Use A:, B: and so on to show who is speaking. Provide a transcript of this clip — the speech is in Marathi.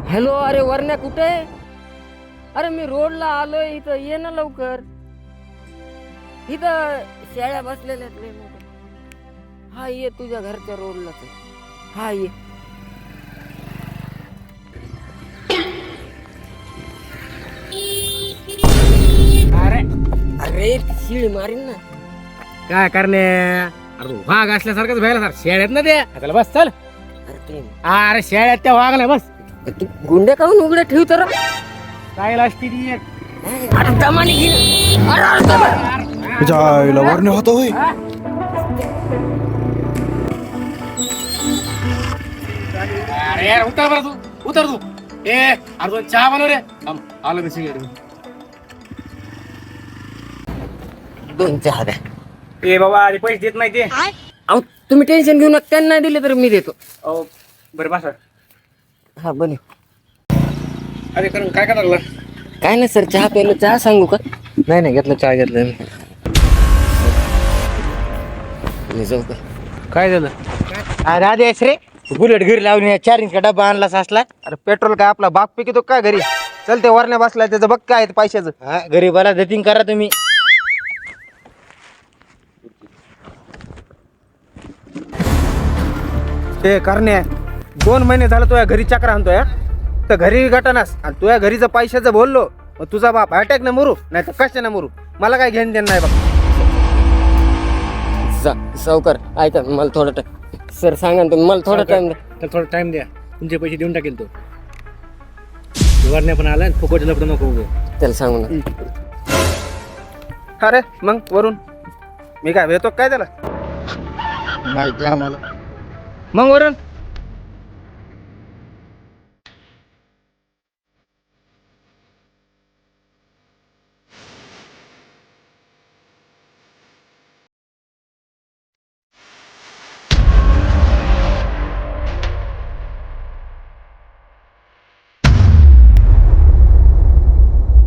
A: हॅलो, अरे वरण्या कुठे आहे? अरे मी रोडला आलोय, इथं ये ना लवकर. इथं शेळ्या बसलेल्या आहेत लय मोठ्या. हा ये, तुझ्या घरच्या रोडलाच आहे. हा ये.
B: अरे
A: अरे शिळी मारीन ना.
B: काय करणे, अरे तू वाघ असल्यासारखंच व्हायला सर. शेळ्यात ना ते त्याला बस चल.
A: अरे ते
B: अरे शेळ्यात त्या वाघ नाही बस.
A: तू गुंडे काढून उघडे ठेव तर.
B: काय असती ती एक.
A: अरे दमाने घे ना. अरे दमाने.
C: जायला वरणे होतं होय.
B: अरे यार उतर बरं तू, उतर तू. अरे दोन चहा बनव रे. आलो मी सिगरेट.
A: दोन चहा द्या.
B: ए बाबा अरे पैसे देत नाही ते.
A: अहो तुम्ही टेन्शन घेऊ नका, त्यांना नाही दिले तर मी देतो.
B: बरं बस.
A: हा बने.
B: अरे करून काय लागला?
A: काय नाही सर, चहा प्यायला. चहा सांगू का?
B: नाही घेतलं, चहा घेतलं.
A: मी जाऊ का?
B: काय झालं?
D: अरे आदेश रे, बुलेट घरी लावून 4 इंच डब्बा आणलास असला. अरे पेट्रोल काय आपला बाप पिकतो काय घरी? चल ते वरण्या बसलाय, त्याचं बघ काय पैशाचं. हा गरीबाला दतिंग करा तुम्ही. ते करण्या 2 महिने झालं तुझ्या घरी चक्र आणतोय. तर घरी गटानास आणि तुझ्या घरीचं पैशाचं बोललो, मग तुझा बाप अटॅक न मरू नाही तर कशा न मरू. मला काय घेणं देणं नाही बघ.
A: सावकार ऐका, मला थोडा टाइम. सर सांगा ना तुम्ही, मला थोडा टाइम द्या.
B: तर थोडा टाइम द्या, तुमचे पैसे देऊन टाकेल तो. वरण्या पण आला, फुकट लपड नको उगं.
A: त्याला सांगू ना.
D: अरे मग वरून मी काय भेटतो काय त्याला?
C: माहिती आम्हाला.
D: मग वरून